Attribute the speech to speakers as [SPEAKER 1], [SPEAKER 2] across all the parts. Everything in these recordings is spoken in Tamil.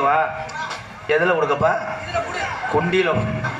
[SPEAKER 1] கொடுக்கப்பா. எதுல கொடுக்கப்பா? குண்டியில.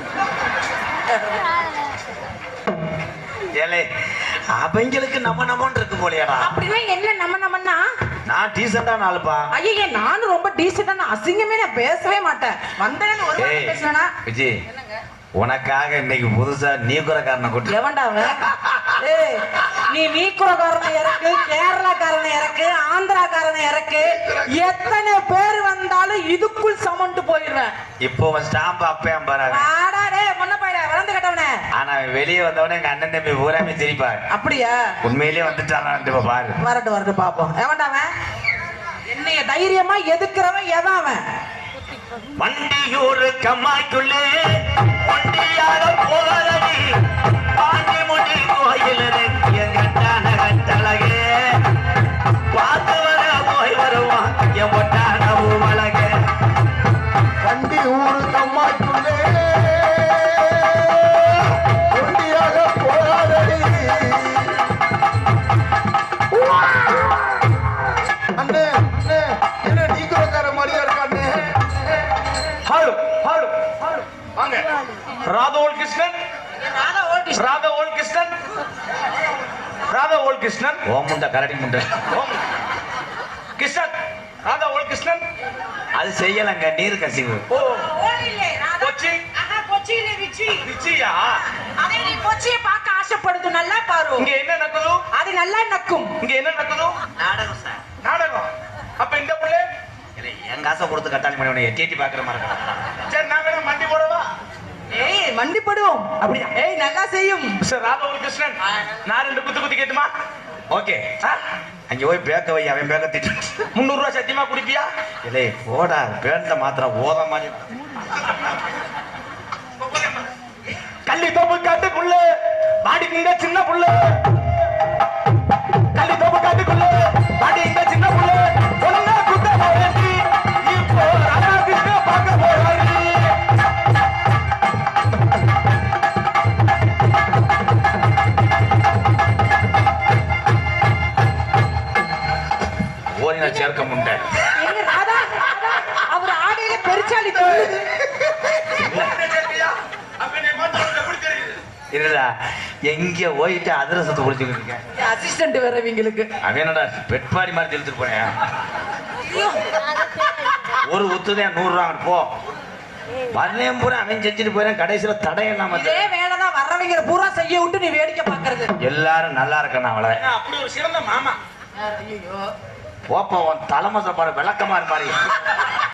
[SPEAKER 1] ஏலே அவங்களுக்கு நம்மன்னு இருக்கு போலியாடா.
[SPEAKER 2] அப்படின்னா என்ன நம்மன்னா?
[SPEAKER 1] நான் டீசெண்டான ஆளுப்பா.
[SPEAKER 2] ஐயே நானும் ரொம்ப டீசெண்டான, அசிங்கமே நான் பேசவே மாட்டேன். வந்தேன்னு ஒரு வார்த்தை பேசுனா
[SPEAKER 1] விஜி, உனக்காக இன்னைக்கு புதுசா நீக்குறக்காரனை கூட்டி.
[SPEAKER 2] எவன்டா அவன்? ஏய், நீ நீக்குறக்காரனை இறக்கு, கேரளாக்காரனை இறக்கு, ஆந்திராக்காரனை இறக்கு, எத்தனை பேர் வந்தாலும் இதுக்குள் சமண்டு போயிடுவேன்.
[SPEAKER 1] இப்போ ஸ்டாம்ப் அப்பையும் பாரு.
[SPEAKER 2] ஆடா டேய் மொன்ன பையல வளர்ந்து கட்டவனே.
[SPEAKER 1] ஆனா வெளியே வந்தவனே எங்க அண்ணன் தம்பி பூராமே சிரிப்பாரு.
[SPEAKER 2] அப்படியா?
[SPEAKER 1] உண்மையிலேயே வந்துட்டாரான்னு பாரு.
[SPEAKER 2] வரட்டும் பாப்போம். எவன்டா அவன்? என்னைய தைரியமா எதுக்குறவன் எவன் அவன்?
[SPEAKER 1] வண்டியூர் கம்மாய்க்குள்ளே வண்டியாக போகாதடி பாண்டிமுடி கோயில் எங்கட்டான கட்டழகே பார்த்து வர போய் வருவான் என் ஒட்டான பூவழகே.
[SPEAKER 3] வண்டியூர் கம்மாய்க்குள்ளே வண்டியாக போகாதடி. அண்ணே அண்ணே, என்ன நீக்குறக்கார மாதிரியா இருக்காண்ணே?
[SPEAKER 1] ஹலோ ஹலோ ஹலோ வாங்க. Radha old Krishnan, Radha old Krishnan, Radha old Krishnan. ஓ முண்டை கரடி முண்டை கிருஷ்ணன், ராதா ஓல்ட் கிருஷ்ணன். அது செய்யலங்க, நீர் கசிவு. ஓ கொச்சி.
[SPEAKER 2] கொச்சி இல்ல ரிச்சி.
[SPEAKER 1] ரிச்சியா?
[SPEAKER 2] அதே நீ கொச்சியை பார்க்க ஆசைப்படுது, நல்லா பாரு.
[SPEAKER 1] இங்க என்ன நடக்குது?
[SPEAKER 2] அது நல்லா நக்கும்.
[SPEAKER 1] இங்க என்ன நடக்குது? நாடகம் சார். நாடகம். அப்ப இந்த பிள்ளை இல்ல என் காசை கொடுத்து கட்டாளி பண்ணி உன்னை எட்டி பாக்குற மாதிரி இருக்கா? சரி நான் வேணா மண்டி போடவா?
[SPEAKER 2] ஏய் மண்டி போடுவோம். அப்படியா? ஏய் நல்லா செய்யும்
[SPEAKER 1] சார். ராதா ஒரு கிருஷ்ணன், நான் 2 குத்து கேட்டுமா? ஓகே. அங்க போய் பேக்க வை, அவன் பேக்க திட்டு. 300 ரூபாய் சத்தியமா குடிப்பியா? இல்லை போடா, பேண்ட மாத்திர ஓத மாதிரி. கள்ளி தோப்பு காட்டுக்குள்ள மாடிக்குங்க சின்ன புள்ள, கள்ளி தோப்பு காட்டுக்குள்ள மாடி இந்த சின்ன புள்ள ஒண்ணா குத்த போறி இப்போ ராதா கிருஷ்ண பார்க்க போறாரு. ஓரின சேர்க்க முண்டை.
[SPEAKER 2] எங்க ராதா அவர் ஆடையில பெருச்சாளி
[SPEAKER 1] இல்லடா, எங்க போயிட்டு அதிரசத்தை குடிச்சுக்கிட்டு இருக்கேன்.
[SPEAKER 2] அசிஸ்டன்ட் வேற இவங்களுக்கு.
[SPEAKER 1] அவன் என்னடா பெட்பாடி மாதிரி தெளிச்சுட்டு போனேன். ஒரு உத்துதான் 100 ரூபா போ. வரலையும் பூரா அவன் செஞ்சுட்டு போறேன். கடைசியில தடையெல்லாம்
[SPEAKER 2] இதே வேலைதான் வர்றவங்க பூரா செய்ய விட்டு நீ வேடிக்கை பாக்குறது.
[SPEAKER 1] எல்லாரும் நல்லா இருக்கணும். அவளை
[SPEAKER 4] அப்படி ஒரு சிறந்த மாமா.
[SPEAKER 2] ஐயோ
[SPEAKER 1] போப்பா, உன் தலைமை சாப்பாடு விளக்கமா மாதிரி.